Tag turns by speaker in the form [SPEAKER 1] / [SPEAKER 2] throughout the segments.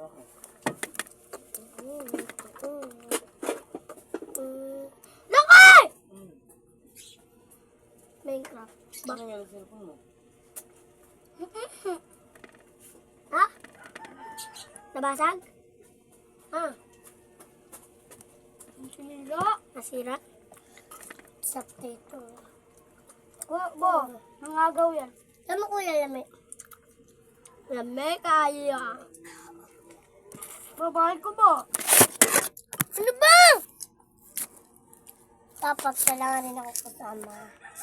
[SPEAKER 1] Laki! Minecraft.
[SPEAKER 2] Ano yung cellphone mo?
[SPEAKER 1] Ha? Nabasag? Ha? Nasira? Sakto ito. Bo, nangagaw yan. Lama kuya, lami. Lami kaya. Babae ko ba? Ano ba? Dapat kailangan rin ako kasama.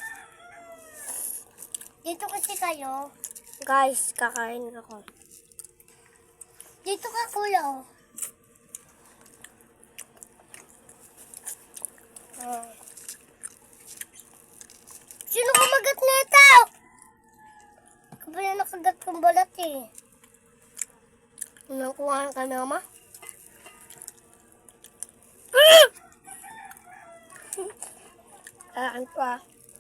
[SPEAKER 1] Dito kasi kayo. Guys, kakain ako. Dito ka kuya. Sino kumagat nito? Ako ba yung nakagat kong balat eh? Nakuha ka na, ma? Ano pa?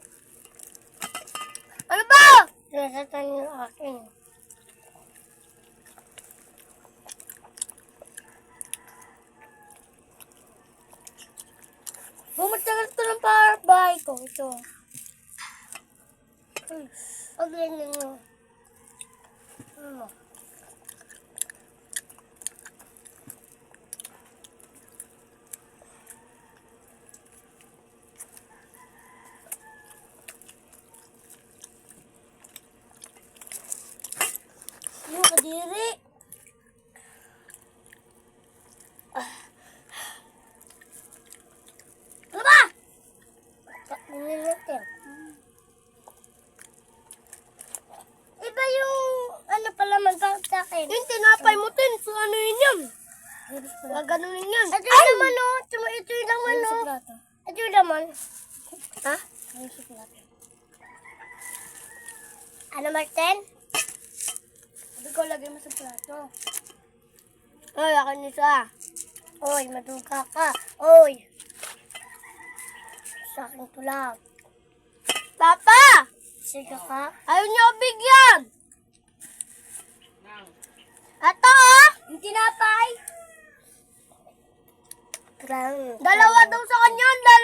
[SPEAKER 1] Ano ba? Nasatan yung akin. Bumatagal ito ng bahay ko. Ito. Pag ganyan mo. Ano? Yung kadiri. Ano ba? Tingnan natin. Iba yung ano pala magkakot sa akin. Yung tinapay mo tin. So ano yun yan? Gaganunin yan. Ito yung laman o. Ito yung laman o. Ito yung laman. Ha? Ano Martin? Sabi ko lagay mo sa plato. Oy, ako nito ah. Oy, maduga ka. Oy. Sa akin to lang. Papa! Sige ka. Ayaw niyo bigyan. Ito oh! Yung tinapay. Dalawa daw sa kanya.